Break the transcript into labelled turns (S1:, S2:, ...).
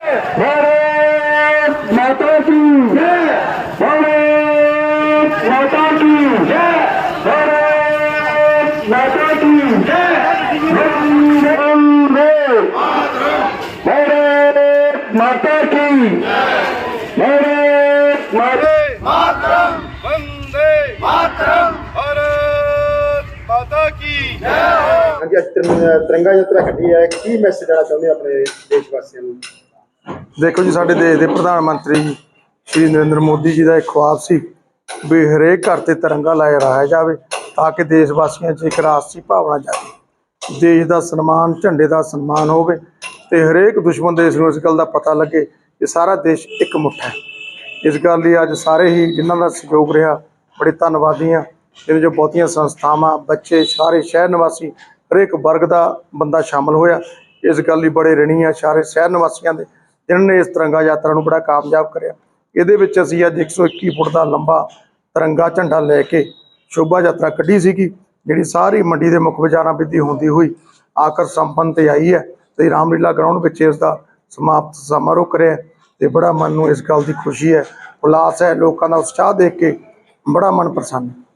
S1: भारत माता की जय। भारत माता की जय। भारत माता की जय। वंदे भारत माता की भारत माता
S2: मातरम वंदे मातरम भारत माता की जय हो।
S3: ਹਾਂਜੀ ਅੱਜ ਤਿਰੰਗਾ ਯਾਤਰਾ ਕੱਢੀ ਹੈ, ਕੀ ਮੈਸੇਜ ਦੇਣਾ ਚਾਹੁੰਦੇ ਆਪਣੇ ਦੇਸ਼ ਵਾਸੀਆਂ ਨੂੰ?
S4: ਦੇਖੋ ਜੀ, ਸਾਡੇ ਦੇਸ਼ ਦੇ ਪ੍ਰਧਾਨ ਮੰਤਰੀ ਸ਼੍ਰੀ ਨਰਿੰਦਰ ਮੋਦੀ ਜੀ ਦਾ ਇੱਕ ਖੁਆਬ ਸੀ ਵੀ ਹਰੇਕ ਘਰ ਤੇ ਤਿਰੰਗਾ ਲਹਿਰਾਇਆ ਜਾਵੇ ਤਾਂ ਕਿ ਦੇਸ਼ ਵਾਸੀਆਂ 'ਚ ਇੱਕ ਰਾਸ਼ਟਰੀ ਭਾਵਨਾ ਜਾਗੇ, ਦੇਸ਼ ਦਾ ਸਨਮਾਨ, ਝੰਡੇ ਦਾ ਸਨਮਾਨ ਹੋਵੇ ਤੇ ਹਰੇਕ ਦੁਸ਼ਮਣ ਦੇਸ਼ ਨੂੰ ਇਸ ਗੱਲ ਦਾ ਪਤਾ ਲੱਗੇ ਕਿ ਸਾਰਾ ਦੇਸ਼ ਇੱਕ ਮੁੱਠ ਹੈ। ਇਸ ਗੱਲ ਲਈ ਅੱਜ ਸਾਰੇ ਹੀ ਜਿਨ੍ਹਾਂ ਦਾ ਸਹਿਯੋਗ ਰਿਹਾ ਬੜੇ ਧੰਨਵਾਦੀ ਹਾਂ। ਇਹਦੇ 'ਚ ਬਹੁਤੀਆਂ ਸੰਸਥਾਵਾਂ, ਬੱਚੇ, ਸਾਰੇ ਸ਼ਹਿਰ ਨਿਵਾਸੀ, ਹਰੇਕ ਵਰਗ ਦਾ ਬੰਦਾ ਸ਼ਾਮਲ ਹੋਇਆ। ਇਸ ਗੱਲ ਲਈ ਬੜੇ ਰਿਣੀ ਆ ਸਾਰੇ ਸ਼ਹਿਰ ਨਿਵਾਸੀਆਂ ਦੇ ਜਿਨ੍ਹਾਂ ਨੇ ਇਸ ਤਿਰੰਗਾ ਯਾਤਰਾ ਨੂੰ ਬੜਾ ਕਾਮਯਾਬ ਕਰਿਆ। ਇਹਦੇ ਵਿੱਚ ਅਸੀਂ ਅੱਜ 121 ਫੁੱਟ ਦਾ ਲੰਬਾ ਤਿਰੰਗਾ ਝੰਡਾ ਲੈ ਕੇ ਸ਼ੋਭਾ ਯਾਤਰਾ ਕੱਢੀ ਸੀਗੀ, ਜਿਹੜੀ ਸਾਰੀ ਮੰਡੀ ਦੇ ਮੁੱਖ ਬਾਜ਼ਾਰਾਂ ਵਿੱਚ ਹੁੰਦੀ ਹੋਈ ਆਖਰ ਸੰਪੰਨ 'ਤੇ ਆਈ ਹੈ ਤੇ ਰਾਮਲੀਲਾ ਗਰਾਊਂਡ ਵਿੱਚ ਇਸ ਦਾ ਸਮਾਪਤ ਸਮਾਰੋਹ ਕਰਿਆ ਤੇ ਬੜਾ ਮਨ ਨੂੰ ਇਸ ਗੱਲ ਦੀ ਖੁਸ਼ੀ ਹੈ, ਉਲਾਸ ਹੈ। ਲੋਕਾਂ ਦਾ ਉਤਸ਼ਾਹ ਦੇਖ ਕੇ ਬੜਾ ਮਨ ਪ੍ਰਸੰਨ ਹੈ।